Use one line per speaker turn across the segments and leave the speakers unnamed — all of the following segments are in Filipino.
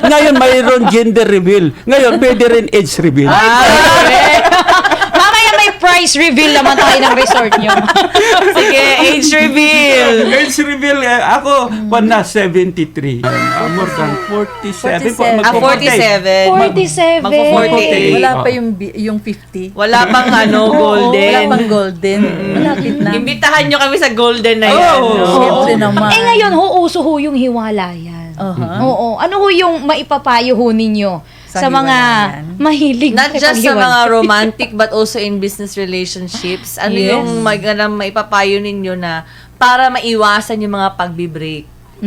Ngayon, mayroon gender reveal. Ngayon, pwede rin age reveal.
Mamaya may price reveal naman tayo ng resort nyo.
Sige, age reveal.
Age reveal, ako, na 73. More than 47.
47.
Ah, 47.
47.
Magpo-48.
Wala pa yung 50.
Wala pang golden.
Wala pang golden. Malapit na.
Imbitahan nyo kami sa golden na yan.
Oo.
no?
Siyempre naman.
Eh ngayon, uso ho yung hiwalayan.
Uh-huh.
Oo. Ano ho yung maipapayo ho ninyo
Sa
sa mga
hiwalayan?
mahilig
Not just sa
makipaghiwalay?
mga romantic but also in business relationships. Ano
Yes.
yung maipapayo ninyo na para maiwasan yung mga pagbi-break?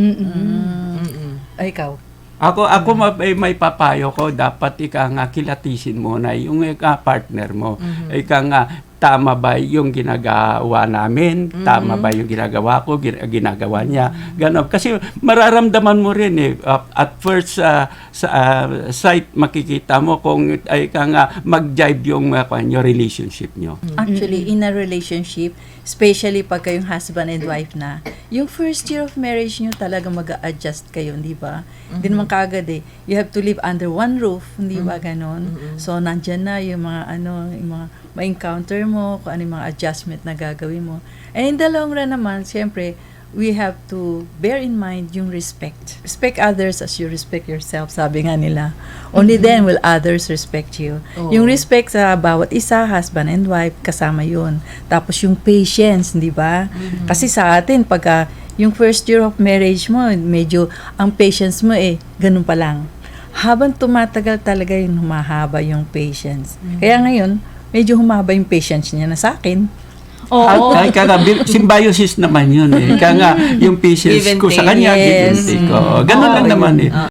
Ay, ikaw.
Ako may papayo ko, dapat ika nga kilatisin mo na yung partner mo. Ika nga, tama ba yung ginagawa namin? Tama ba yung ginagawa ko? Ginagawa niya? Ganon. Kasi mararamdaman mo rin eh. At first sight, makikita mo kung ika nga mag-jive yung relationship nyo.
Actually, in a relationship, especially pag kayong husband and wife na, yung first year of marriage nyo talaga mag-a-adjust kayo, di ba? Hindi naman kagad eh. You have to live under one roof, di ba ganon? So, nandyan na yung mga yung mga ma-encounter mo, kung ano yung mga adjustment na gagawin mo. And in the long run naman, siyempre, we have to bear in mind yung respect. Respect others as you respect yourself, sabi nga nila. Only then will others respect you. Yung respect sa bawat isa, husband and wife, kasama yun. Tapos yung patience, di ba? Kasi sa atin, pagka yung first year of marriage mo, medyo ang patience mo ganun pa lang. Habang tumatagal talaga yung humahaba yung patience. Kaya ngayon, medyo humaba yung patience niya na sa akin.
Oo.
Ay, kaya symbiosis naman yun eh. Kaya nga, yung patience
Give and
ko sa
take.
kanya, give and
Yes.
take. Ganun lang naman eh.